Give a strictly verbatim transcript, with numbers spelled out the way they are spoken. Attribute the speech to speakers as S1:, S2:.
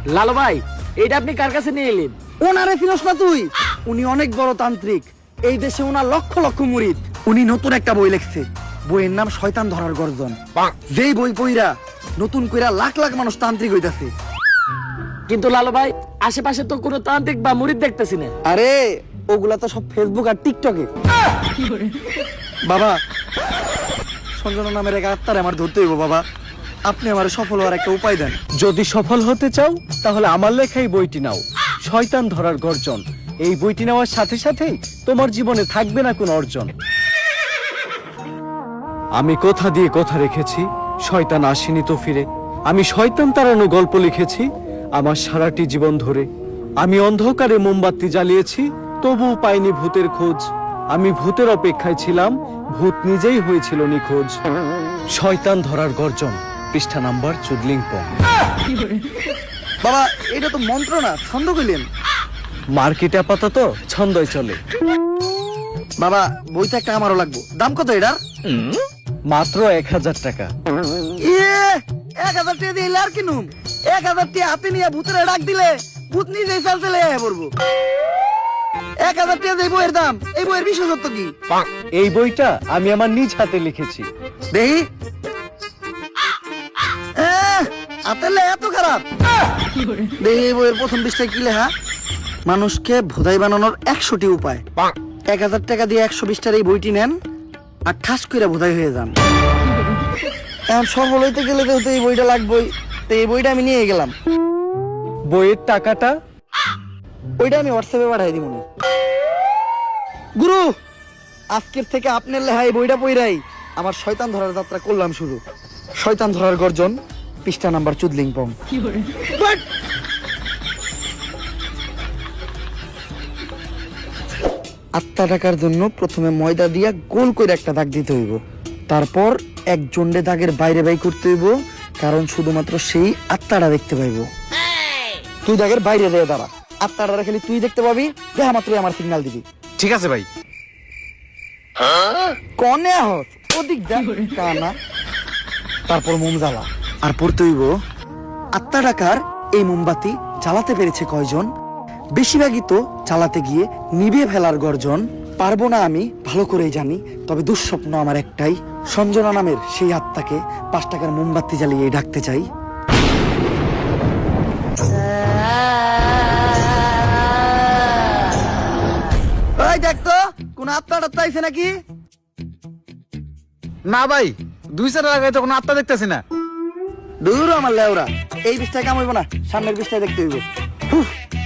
S1: লালু ভাই, এটা আপনি কার কাছে নিয়ে এলেন?
S2: ওনারে চিনস না তুই? উনি অনেক বড় তান্ত্রিক, এই দেশে ওনার লক্ষ লক্ষ মুরিদ। উনি নতুন একটা বই লিখছে, বইয়ের নাম শয়তান ধরার গর্জন। যেই বই পইরা নতুন কইরা লাখ লাখ মানুষ তান্ত্রিক হইতাছে।
S1: কিন্তু লালু ভাই, আশেপাশে তো কোনো তান্ত্রিক বা মুরিদ দেখতেছি না।
S2: আরে ওগুলা তো সব ফেসবুক আর টিকটকে। বাবা, সঞ্জনা নামের এক আত্মারে আমার ধরতে হইব বাবা, আপনি আমার সফল হওয়ার একটা উপায় দেন।
S3: যদি সফল হতে চাও তাহলে আমার লেখাই বইটি নাও, শয়তান ধরার গর্জন। এই বইটি নেওয়ার সাথে সাথেই তোমার জীবনে থাকবে না কোনো অর্জন। আমি কথা দিয়ে কথা রেখেছি, শয়তান আসেনি তো ফিরে। আমি শয়তান তাড়ানো গল্প লিখেছি আমার সারাটি জীবন ধরে। আমি অন্ধকারে মোমবাতি জ্বালিয়েছি, তবুও পাইনি ভূতের খোঁজ। আমি ভূতের অপেক্ষায় ছিলাম, ভূত নিজেই হয়েছিল নিখোঁজ। শয়তান ধরার গর্জন, পৃষ্ঠা নাম্বার চুদলিংপং।
S2: বাবা, এটা তো মন্ত্র না, ছন্দ কইলেন।
S3: মার্কেটে আপাতত ছন্দই চলে।
S2: বাবা, বইটা একটা আমারও লাগবো। দাম কত এটার?
S3: মাত্র এক হাজার টাকা।
S2: ইয়ে, এক হাজার টাকা দিয়ে আর কিনুম? এক হাজার টাকা হাতে নিয়ে ভূতের ডাক দিলে ভূত নিজেই চাল চলে আয়া পড়বো। এক হাজার টাকা দিয়ে বইয়ের দাম, এই বইয়ের বিশেষত্ব কি?
S3: এই বইটা আমি আমার নিজ হাতে লিখেছি।
S2: দেখি, আহ, হাতের লেখা এত খারাপ? দেখি এই বইয়ের প্রথম পৃষ্ঠায় কি লেখা? মানুষকে ভোদাই বানানোর একশোটি উপায়। এক হাজার টাকা দিয়ে একশো বিশটার এই বইটি নেন আর ঠাস করে ভোদাই হয়ে যান। এখন সফল হইতে গেলে তো এই বইটা লাগবেই, তো এই বইটা আমি নিয়ে গেলাম।
S3: বইয়ের টাকাটা?
S2: ওইটা আমি হোয়াটসঅ্যাপে পাঠাই দিব। গুরু, আজকের থেকে আপনার লেহাই বইটা পইরাই আমার শয়তান ধরার যাত্রা করলাম শুরু। শয়তান ধরার গর্জন, পৃষ্ঠা নাম্বার চুদলিংপং। বাট! আত্মা টাকার জন্য প্রথমে ময়দা দিয়া গোল করে একটা দাগ দিতে হইব, তারপর এক জন্ডে দাগের বাইরে বাই করতে হইব, কারণ শুধুমাত্র সেই আত্মাটা দেখতে পাইব। তুই দাগের বাইরে দিয়ে দাঁড়া, আত্মাটা খালি তুই দেখতে পাবি, দেখা মাত্রই আমার সিগন্যাল দিবি।
S4: ঠিক আছে ভাই।
S2: কনে হস ওদিক যা কানা। তারপর মোম জ্বালা আর পড়তে হইব, আত্মা টাকার এই মোমবাতি জ্বালাতে পেরেছে কয়জন? বেশিরভাগই তো চালাতে গিয়ে নিভে ফেলার গর্জন। পারবো না আমি ভালো করেই জানি, তবে দুঃস্বপ্ন আমার একটাই, সঞ্জনা নামের সেই আত্মাকে পাঁচ টাকার মোমবাতি জ্বালিয়ে ডাকতে চাই। ওই দেখ তো, কোন আত্মা টাত্মা আইছে নাকি?
S4: না ভাই, দুই চার লাগাই তো কোনো আত্মা দেখতেছি না।
S2: দূর আমার লেওরা, এই বিষটায় কাম হইব না, সামনের বিষটায় দেখতে হইব।